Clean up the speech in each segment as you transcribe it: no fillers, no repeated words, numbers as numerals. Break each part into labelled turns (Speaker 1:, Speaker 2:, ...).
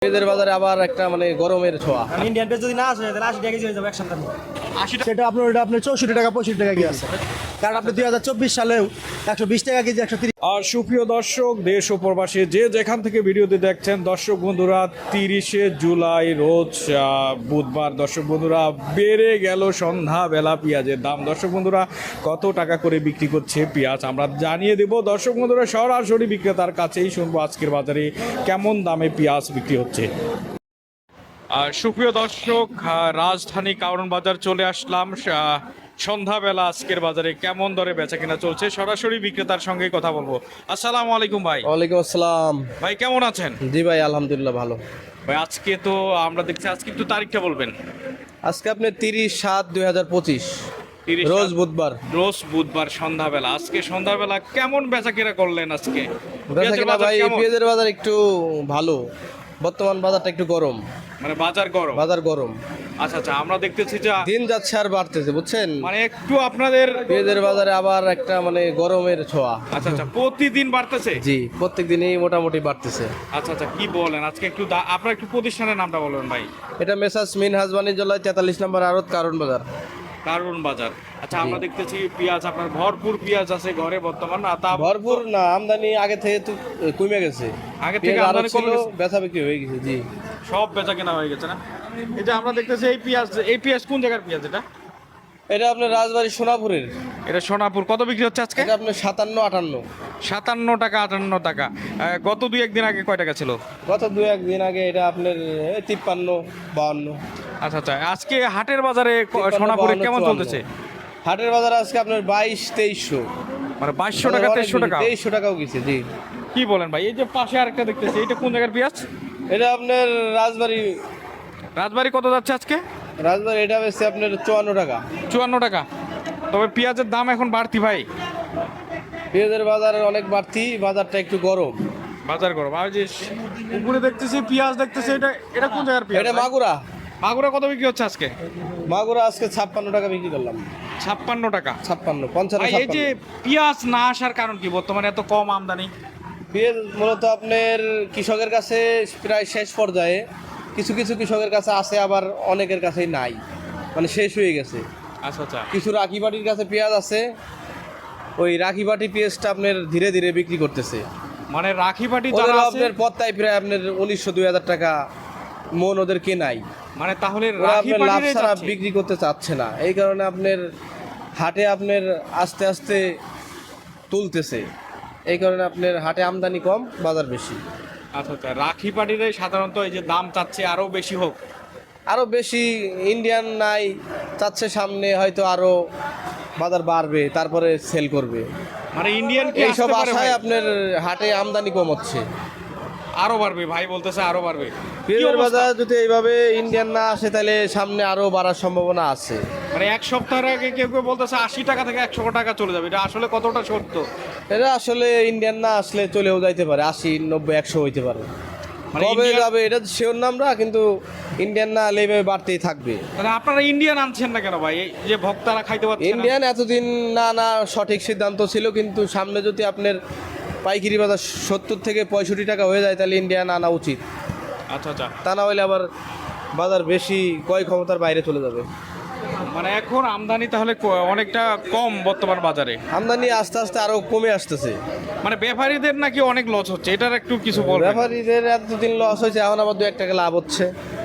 Speaker 1: পেঁয়াজের বাজারে আবার একটা মানে গরমের ছোঁয়া।
Speaker 2: ইন্ডিয়ান পেঁয়াজ যদি না আসে তাহলে 80 টাকা কেজি হয়ে যাবে এক সপ্তাহ।
Speaker 3: 80 সেটা আপনার ওটা আপনার 64 টাকা 65 টাকা কেজি আছে, কারণ আপনি 2024 সালেও 120 টাকা কেজি 130।
Speaker 4: আর সুপ্রিয় দর্শক, দেশ ও প্রবাসী যে যেখান থেকে ভিডিওতে দেখছেন, দর্শক বন্ধুরা 30শে জুলাই রোজ বুধবার, দর্শক বন্ধুরা বেড়ে গেল সন্ধ্যাবেলা পেঁয়াজের দাম। দর্শক বন্ধুরা কত টাকা করে বিক্রি করছে পেঁয়াজ আমরা জানিয়ে দেব। দর্শক বন্ধুরা সরাসরি বিক্রেতার কাছেই শুনবো আজকের বাজারে কেমন দামে পেঁয়াজ বিক্রি হচ্ছে। সুপ্রিয় দর্শক, রাজধানী কারণ বাজার চলে আসলাম। সন্ধ্যাবেলা আজকের বাজারে কেমন দরে বেচা কেনা চলছে সরাসরি বিক্রেতার সঙ্গে কথা বলবো। আসসালামু আলাইকুম ভাই।
Speaker 1: ওয়ালাইকুম আসসালাম।
Speaker 4: ভাই কেমন আছেন?
Speaker 1: জি ভাই, আলহামদুলিল্লাহ ভালো।
Speaker 4: ভাই আজকে তো আমরা দেখছি, আজকে একটু তারিখটা বলবেন।
Speaker 1: আজকে আপনি 30/7/2025 রোজ বুধবার।
Speaker 4: রোজ বুধবার সন্ধ্যাবেলা, আজকে সন্ধ্যাবেলা কেমন বেচা কেনা করলেন আজকে?
Speaker 1: বেচা কিনা ভাই,
Speaker 4: কেমন?
Speaker 1: পেঁয়াজের বাজার একটু ভালো, বর্তমান বাজারটা একটু গরম।
Speaker 4: মানে বাজার গরম?
Speaker 1: বাজার গরম।
Speaker 4: আচ্ছা আচ্ছা, আমরা দেখতেছি যে
Speaker 1: দিন যাচ্ছে আর বাড়তেছে, বুঝছেন।
Speaker 4: মানে একটু আপনাদের
Speaker 1: পেঁয়াজের বাজারে আবার একটা মানে গরমের ছোঁয়া।
Speaker 4: আচ্ছা আচ্ছা, প্রতিদিন বাড়তেছে?
Speaker 1: জি, প্রত্যেক দিনই মোটামুটি বাড়তেছে।
Speaker 4: আচ্ছা আচ্ছা, কি বলেন আজকে একটু আপনার একটু প্রতিষ্ঠানের নামটা বলবেন ভাই।
Speaker 1: এটা মেসার্স মিনহাজ বাণিজ্যালয় 43 নম্বর আড়ত, কারণ বাজার।
Speaker 4: কারণ বাজার। আচ্ছা, আমরা দেখতেছি পেঁয়াজ আপনার ভরপুর পেঁয়াজ আছে ঘরে বর্তমান।
Speaker 1: ভরপুর না, আমদানি আগে থেকে তো কমে গেছে।
Speaker 4: আগে থেকে
Speaker 1: পেঁয়াজ
Speaker 4: আমদানি
Speaker 1: আরো ছিল,
Speaker 4: কমে গেছে?
Speaker 1: বেচা বিক্রি হয়ে গেছে। জি,
Speaker 4: সব বেচা কেনা হয়ে গেছে না? এই যে আমরা দেখতেছি এই পেঁয়াজ কোন জায়গার পেঁয়াজ এটা?
Speaker 1: এটা আপনার রাজবাড়ী সোনাপুরের।
Speaker 4: এটা সোনাপুর। কত বিক্রি হচ্ছে আজকে?
Speaker 1: এটা আপনার 57-58।
Speaker 4: 57 টাকা 58 টাকা। গত 2-1 দিন আগে কয় টাকা ছিল?
Speaker 1: গত 2-1 দিন আগে এটা আপনার 53-52।
Speaker 4: আচ্ছা আচ্ছা, আজকে হাটের বাজারে
Speaker 1: 53,
Speaker 4: সোনাপুরে
Speaker 1: 52,
Speaker 4: কেমন
Speaker 1: 54
Speaker 4: চলতেছে?
Speaker 1: হাটের বাজার আজকে আপনার 2200-2300,
Speaker 4: মানে 2200 টাকা 2300 টাকা?
Speaker 1: 2300 টাকাও গেছে। জি,
Speaker 4: কি বলেন ভাই? এই যে পাশে আরেকটা দেখতেছি, এটা কোন জায়গার পেঁয়াজ?
Speaker 1: এটা আপনার রাজবাড়ী।
Speaker 4: রাজবাড়ি কত যাচ্ছে আজকে?
Speaker 1: রাজবাড়ী এটা বেশি আপনার 54 টাকা।
Speaker 4: 54 টাকা। তবে পেঁয়াজের দাম এখন বাড়তি ভাই।
Speaker 1: পেঁয়াজের বাজার অনেক বাড়তি, বাজারটা একটু গরম।
Speaker 4: বাজার গরম। আর যে উপরে দেখতেছি পেঁয়াজ দেখতেছি, এটা কোন জায়গার পেঁয়াজ?
Speaker 1: এটা মাগুরা।
Speaker 4: মাগুরা কত বিক্রি হচ্ছে আজকে?
Speaker 1: মাগুরা আজকে 56 টাকা বিক্রি করলাম।
Speaker 4: 56 টাকা।
Speaker 1: 56, 55,
Speaker 4: ভাই এই যে
Speaker 1: 56।
Speaker 4: পেঁয়াজ না আসার কারণ কি বর্তমানে এত কম আমদানি?
Speaker 1: পেঁয়াজ মূলত আপনার কৃষকের কাছে প্রায় শেষ পর্যায়ে, কিছু কিছু কৃষকের কাছে আছে, আবার অনেকের কাছেই নাই, মানে শেষ হয়ে গেছে।
Speaker 4: আচ্ছা আচ্ছা।
Speaker 1: কিছু রাখি বাটির কাছে পেঁয়াজ আছে, ওই রাখি বাটি পেঁয়াজটা আপনার ধীরে ধীরে বিক্রি করতেছে।
Speaker 4: মানে রাখি পাটি
Speaker 1: ওদের
Speaker 4: যারা আছে,
Speaker 1: আপনার পত্তায় প্রায় আপনার 1900-2000 টাকা মন ওদের কেনাই।
Speaker 4: মানে তাহলে
Speaker 1: ওরা
Speaker 4: রাখি
Speaker 1: আপনার লাভ
Speaker 4: পাটিরে
Speaker 1: ছাড়া
Speaker 4: যাচ্ছে।
Speaker 1: বিক্রি করতে চাচ্ছে না, এই কারণে আপনার হাটে আপনার আস্তে আস্তে তুলতেছে। এই কারণে আপনার হাটে আমদানি কম, বাজার বেশি।
Speaker 4: আচ্ছা আচ্ছা, রাখি পাটিরে সাধারণত এই যে দাম চাচ্ছে আরো বেশি হোক।
Speaker 1: আরও বেশি ইন্ডিয়ান নাই, চাচ্ছে সামনে হয়তো আরও বাজার বাড়বে, তারপরে সেল করবে।
Speaker 4: মানে ইন্ডিয়ান কি
Speaker 1: এইসব
Speaker 4: আসতে পারে ভাই?
Speaker 1: আশায় আপনার হাটে আমদানি কম হচ্ছে।
Speaker 4: আরো বাড়বে ভাই বলতেছে, আরো বাড়বে। কি
Speaker 1: পেঁয়াজের
Speaker 4: অবস্থা?
Speaker 1: বাজার যদি এইভাবে ইন্ডিয়ান না আসে, তাহলে সামনে আরও বাড়ার সম্ভাবনা আছে।
Speaker 4: মানে এক সপ্তাহ আগে কেউ কেউ বলতেছে 80 টাকা থেকে 100 টাকা চলে যাবে, এটা আসলে কতটা সত্য?
Speaker 1: এটা আসলে ইন্ডিয়ান না আসলে চলেও যাইতে পারে, 80, 90, 100 হইতে পারে।
Speaker 4: মানে
Speaker 1: কবে
Speaker 4: ইন্ডিয়ান-
Speaker 1: যাবে এটা শিওর না আমরা, কিন্তু ইন্ডিয়ান না হলে এইভাবে বাড়তেই থাকবে।
Speaker 4: তাহলে আপনারা ইন্ডিয়ান আনছেন না কেন ভাই? এই যে ভক্তরা খাইতে পারছে না।
Speaker 1: ইন্ডিয়ান এতদিন না সঠিক সিদ্ধান্ত ছিল, কিন্তু সামনে যদি আপনার পাইকারি বাজার 70 থেকে 65 টাকা হয়ে যায়, তাহলে ইন্ডিয়ান আনা উচিত।
Speaker 4: আচ্ছা আচ্ছা,
Speaker 1: তা না হলে আবার বাজার বেশি ক্রয় ক্ষমতার বাইরে চলে যাবে।
Speaker 4: মানে এখন আমদানি তাহলে অনেকটা কম বর্তমান বাজারে।
Speaker 1: আমদানি আস্তে আস্তে আরো কমে আসতেছে।
Speaker 4: মানে ব্যাপারীদের নাকি অনেক লস হচ্ছে, এটার একটু কিছু বলবেন?
Speaker 1: ব্যাপারীদের এতদিন লস হয়েছে, এখন আবার 2-1 টাকা লাভ হচ্ছে।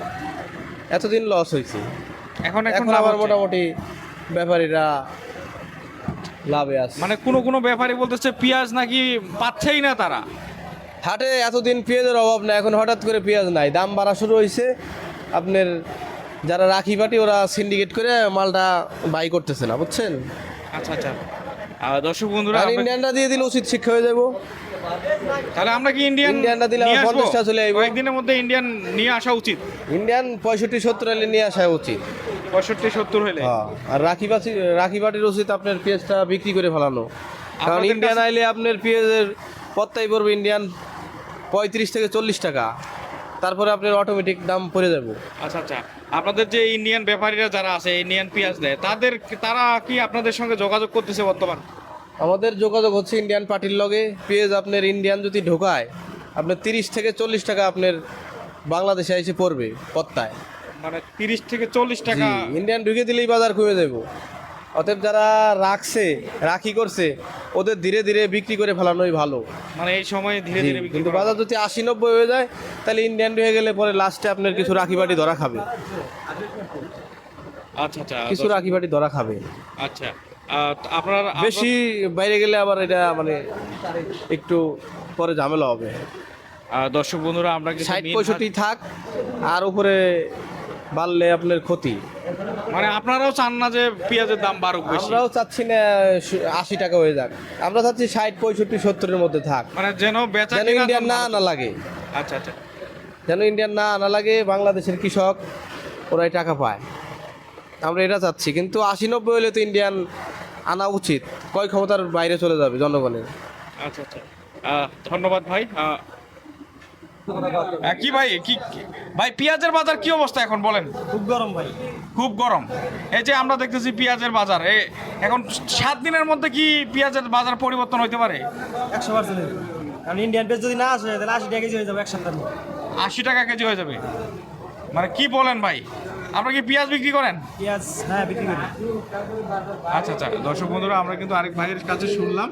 Speaker 1: এতদিন লস হয়েছে,
Speaker 4: এখন
Speaker 1: এখন
Speaker 4: লাভ
Speaker 1: আবার
Speaker 4: হচ্ছে।
Speaker 1: মোটামুটি ব্যাপারীরা লাভে আছে।
Speaker 4: মানে কোনো ব্যাপারী বলতেছে পেঁয়াজ নাকি পাচ্ছেই না তারা।
Speaker 1: হাটে এতদিন পেঁয়াজের অভাব না, এখন হঠাৎ করে পেঁয়াজ নাই, দাম বাড়া শুরু হয়েছে। আপনার যারা রাখি পাটি, ওরা সিন্ডিকেট করে মালটা বাই করতেছে না, বুঝছেন।
Speaker 4: আচ্ছা আচ্ছা, দর্শক বন্ধুরা,
Speaker 1: আর ইন্ডিয়ানরা দিয়ে দিলে উচিত শিক্ষা হয়ে যাবো।
Speaker 4: তাহলে আমরা কি
Speaker 1: ইন্ডিয়ানরা দিলে
Speaker 4: নিয়ে
Speaker 1: আমার
Speaker 4: আসবো?
Speaker 1: 50টা চলে আইবো।
Speaker 4: কয়েকদিনের মধ্যে ইন্ডিয়ান নিয়ে আসা উচিত।
Speaker 1: ইন্ডিয়ান 65-70 হলে নিয়ে আসা উচিত।
Speaker 4: 65-70 হলে।
Speaker 1: হ্যাঁ, আর রাখি পাটির উচিত আপনার পেঁয়াজটা বিক্রি করে ফেলানো, কারণ
Speaker 4: আপনাদের
Speaker 1: ইন্ডিয়ান
Speaker 4: কাছে-
Speaker 1: আইলে আপনার পেঁয়াজের পত্তাই পড়বে ইন্ডিয়ান 35 থেকে 40 টাকা, তারপরে আপনার অটোমেটিক দাম পড়ে যাবে।
Speaker 4: আচ্ছা আচ্ছা, আপনাদের যে ইন্ডিয়ান ব্যাপারীরা যারা আছে ইন্ডিয়ান পেঁয়াজ দেয়, তারা কি আপনাদের সঙ্গে যোগাযোগ করতেছে বর্তমান?
Speaker 1: আমাদের যোগাযোগ হচ্ছে ইন্ডিয়ান পার্টির লগে। পেঁয়াজ আপনার ইন্ডিয়ান যদি ঢোকায়, আপনার 30 থেকে 40 টাকা আপনার বাংলাদেশে এসে পড়বে পত্তায়।
Speaker 4: মানে 30 থেকে 40 টাকা।
Speaker 1: ইন্ডিয়ান ঢুকে দিলেই বাজার কমে যাবো। অতএব যারা রাখি করছে ওদের ধীরে ধীরে বিক্রি করে ফেলানোই ভালো।
Speaker 4: মানে এই সময় ধীরে
Speaker 1: জি,
Speaker 4: ধীরে বিক্রি
Speaker 1: কিন্তু
Speaker 4: করা
Speaker 1: বাজার যদি 80-90 হয়ে যায় তাহলে ইন্ডিয়ান হয়ে গেলে পরে লাস্টে আপনার কিছু রাখি বাটি ধরা খাবে,
Speaker 4: আচ্ছা আচ্ছা
Speaker 1: কিছু রাখি বাটি ধরা খাবে।
Speaker 4: আচ্ছা আপনার
Speaker 1: বেশি বাইরে গেলে আবার এটা মানে একটু পরে ঝামেলা হবে।
Speaker 4: দর্শক বন্ধুরা আমরা কিন্তু
Speaker 1: 60-65 থাক, আর উপরে বাড়লে আপনার ক্ষতি।
Speaker 4: মানে আপনারাও চান না যে পেঁয়াজের দাম বাড়ুক বেশি?
Speaker 1: আমরাও চাচ্ছি না 80 টাকা হয়ে যাক, আমরা চাচ্ছি 60-65-70-এর মধ্যে থাক,
Speaker 4: মানে যেন বেচা
Speaker 1: যেন
Speaker 4: কিনা
Speaker 1: ইন্ডিয়ান
Speaker 4: দাম
Speaker 1: না
Speaker 4: বাড়ুক।
Speaker 1: আনা লাগে।
Speaker 4: আচ্ছা আচ্ছা
Speaker 1: যেন ইন্ডিয়ান না আনা লাগে, বাংলাদেশের কৃষক ওরাই টাকা পায়, আমরা এটা চাচ্ছি। কিন্তু 80-90 হলে তো ইন্ডিয়ান আনা উচিত, ক্রয় ক্ষমতার বাইরে চলে যাবে জনগণের।
Speaker 4: আচ্ছা আচ্ছা ধন্যবাদ ভাই। কি ভাই ভাই পেঁয়াজের বাজার কি অবস্থা এখন বলেন?
Speaker 2: খুব গরম ভাই।
Speaker 4: খুব গরম। এই যে আমরা দেখতেছি পেঁয়াজের বাজার এখন 7 দিনের মধ্যে কি পেঁয়াজের বাজার পরিবর্তন হতে পারে?
Speaker 2: 100%। কারণ ইন্ডিয়ান পেজ যদি না আসে তাহলে 80 টাকা কেজি হয়ে যাবে এক সপ্তাহের মধ্যে।
Speaker 4: 80 টাকা কেজি হয়ে যাবে? মানে কি বলেন ভাই, আপনারা কি পেঁয়াজ বিক্রি করেন?
Speaker 2: পেঁয়াজ হ্যাঁ বিক্রি করি।
Speaker 4: আচ্ছা আচ্ছা দর্শক বন্ধুরা আমরা কিন্তু আরেক ভাইয়ের কাছে শুনলাম।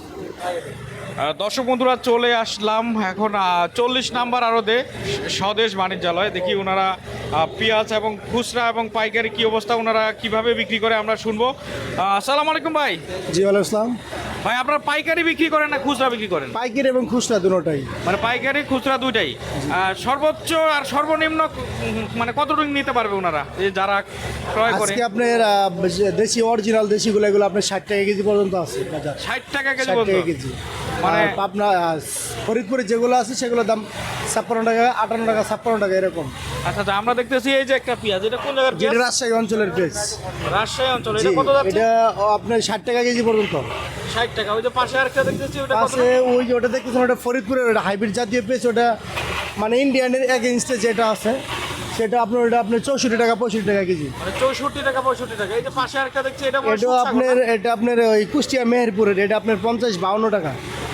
Speaker 4: দর্শক বন্ধুরা চলে আসলাম এখন 40 নাম্বার আড়তে স্বদেশ বাণিজ্যালয়। দেখি ওনারা পেঁয়াজ এবং খুচরা এবং পাইকারি কি অবস্থা, ওনারা কিভাবে বিক্রি করে আমরা শুনবো। আসসালামু আলাইকুম ভাই।
Speaker 3: জি ওয়ালাইকুম আসসালাম।
Speaker 4: ভাই আপনারা পাইকারি বিক্রি করেন না খুচরা বিক্রি করেন?
Speaker 3: পাইকারি এবং খুচরা দুটোটাই।
Speaker 4: মানে পাইকারি খুচরা দুইটাই। সর্বোচ্চ আর সর্বনিম্ন মানে কতটুকু নিতে পারবে ওনারা যারা ক্রয় করে?
Speaker 3: আজকে আপনার দেশি অরিজিনাল দেশিগুলো এগুলো আপনার 60 টাকা কেজি পর্যন্ত আছে বাজার।
Speaker 4: 60 টাকা কেজি
Speaker 3: 60
Speaker 4: পর্যন্ত?
Speaker 3: টাকা কেজি।
Speaker 4: মানে
Speaker 3: মানে আপনার ফরিদপুরে যেগুলো আছে সেগুলোর দাম 56 টাকা, 58 টাকা, 56 টাকা এরকম।
Speaker 4: আচ্ছা আচ্ছা আমরা দেখতেছি এই যে একটা পেঁয়াজ, এটা কোন জায়গার
Speaker 3: যেটা
Speaker 4: পেঁয়াজ?
Speaker 3: রাজশাহী অঞ্চলের পেঁয়াজ।
Speaker 4: রাজশাহী অঞ্চলে।
Speaker 3: জি,
Speaker 4: এটা কত যাচ্ছে?
Speaker 3: এটা আপনার 60 টাকা কেজি পর্যন্ত।
Speaker 4: 60 টাকা। ওই যে পাশে আরেকটা দেখতেছি ওটা কত?
Speaker 3: পাশে ওই যে ওটা দেখতেছেন ওটা ফরিদপুরের, ওটা হাইব্রিড জাতীয় পেঁয়াজ। ওটা মানে ইন্ডিয়ানের এগেইনস্টে যেটা আছে সেটা আপনার ওটা আপনার 64 টাকা 65 টাকা কেজি।
Speaker 4: মানে 64 টাকা 65 টাকা। এই যে পাশে আরেকটা দেখছি এটা
Speaker 3: এটা আপনার এটা আপনার ওই কুষ্টিয়া মেহেরপুরের, এটা আপনার 50-52 টাকা।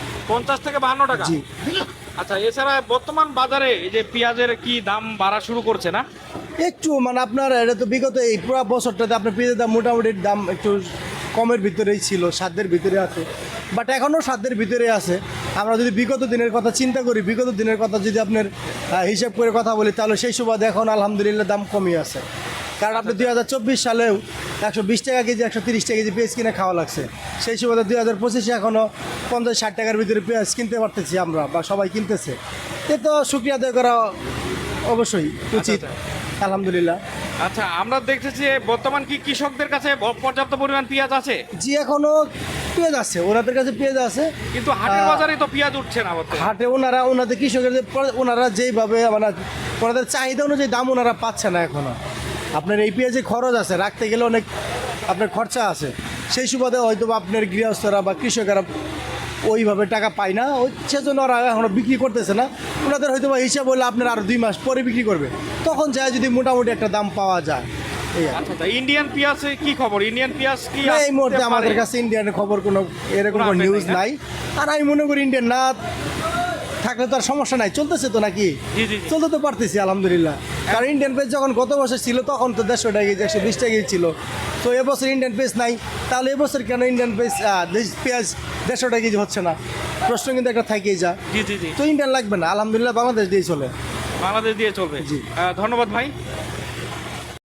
Speaker 4: 50 থেকে 52 টাকা।
Speaker 3: জি।
Speaker 4: আচ্ছা এছাড়া বর্তমান বাজারে এই যে পেঁয়াজের কি দাম বাড়া শুরু করছে না?
Speaker 3: একটু মানে আপনার এটা তো বিগত এই পুরো বছরটাতে আপনার পেঁয়াজের দাম মোটামুটি দাম একটু কমের ভিতরেই ছিল, সাধ্যের ভিতরে আছে, বাট এখনও সাধ্যের ভিতরে আছে। আমরা যদি বিগত দিনের কথা চিন্তা করি, বিগত দিনের কথা যদি আপনার হিসাব করে কথা বলি, তাহলে সেই সুবাদে এখন আলহামদুলিল্লাহ দাম কমই আছে। কারণ আপনি 2024 সালেও 120 টাকা কেজি 130 টাকা কেজি পেঁয়াজ কিনে খাওয়া লাগছে। সেই সুবাদে 2025-এ এখনও 50-60 টাকার ভিতরে পেঁয়াজ কিনতে পারতেছি আমরা, বা সবাই কিনতেছে। এ তো শুকরিয়া আদায় করা অবশ্যই উচিত। আলহামদুলিল্লাহ।
Speaker 4: আচ্ছা আমরা দেখতেছি বর্তমান কি কৃষকদের কাছে পর্যাপ্ত পরিমাণ পেঁয়াজ আছে?
Speaker 3: জি এখনো পেঁয়াজ আছে, ওনাদের কাছে পেঁয়াজ আছে,
Speaker 4: কিন্তু হাটের বাজারে তো পেঁয়াজ উঠছে না বর্তমানে।
Speaker 3: হাটে ওনাদের কৃষকের ওনারা যেইভাবে মানে ওনাদের চাহিদা অনুযায়ী দাম ওনারা পাচ্ছে না এখনো। আপনার এই পেঁয়াজে খরচ আছে, রাখতে গেলে অনেক আপনার খরচা আছে। সেই সুবাদে হয়তো আপনার গৃহস্থরা বা কৃষকেরা ওইভাবে টাকা পায় না, ওই সেজন্য ওরা এখনও বিক্রি করতেছে না। ওনাদের হয়তো বা হিসাব হলে আপনার আরও 2 মাস পরে বিক্রি করবে, তখন যায় যদি মোটামুটি একটা দাম পাওয়া যায়। এই আর কি।
Speaker 4: আচ্ছা ইন্ডিয়ান পেঁয়াজে কি খবর? ইন্ডিয়ান পেঁয়াজ কি
Speaker 3: না, এই মুহূর্তে
Speaker 4: আসতে
Speaker 3: আমাদের
Speaker 4: পারে?
Speaker 3: কাছে ইন্ডিয়ানের খবর কোনো এরকম কোনো
Speaker 4: আপডেট
Speaker 3: নিউজ
Speaker 4: নাই, না?
Speaker 3: নাই। আর আমি মনে করি ইন্ডিয়ান না থাকলে তো আর সমস্যা নাই, চলতেছে তো নাকি,
Speaker 4: জি, জি, জি।
Speaker 3: চলতে তো পারতেছি আলহামদুলিল্লাহ। কারণ ইন্ডিয়ান পেজ যখন গত বছর ছিল তখন তো 150 টাকা কেজি 120 টাকা কেজি ছিল। তো এবছর ইন্ডিয়ান পেজ নাই, তাহলে এবছর কেন ইন্ডিয়ান পেজ পেঁয়াজ 150 টাকা কেজি হচ্ছে না? প্রশ্ন কিন্তু একটা থাকেই যা।
Speaker 4: জি জি জি
Speaker 3: তো ইন্ডিয়ান লাগবে না, আলহামদুলিল্লাহ বাংলাদেশ দিয়ে চলে।
Speaker 4: বাংলাদেশ দিয়ে চলবে।
Speaker 3: জি।
Speaker 4: ধন্যবাদ ভাই।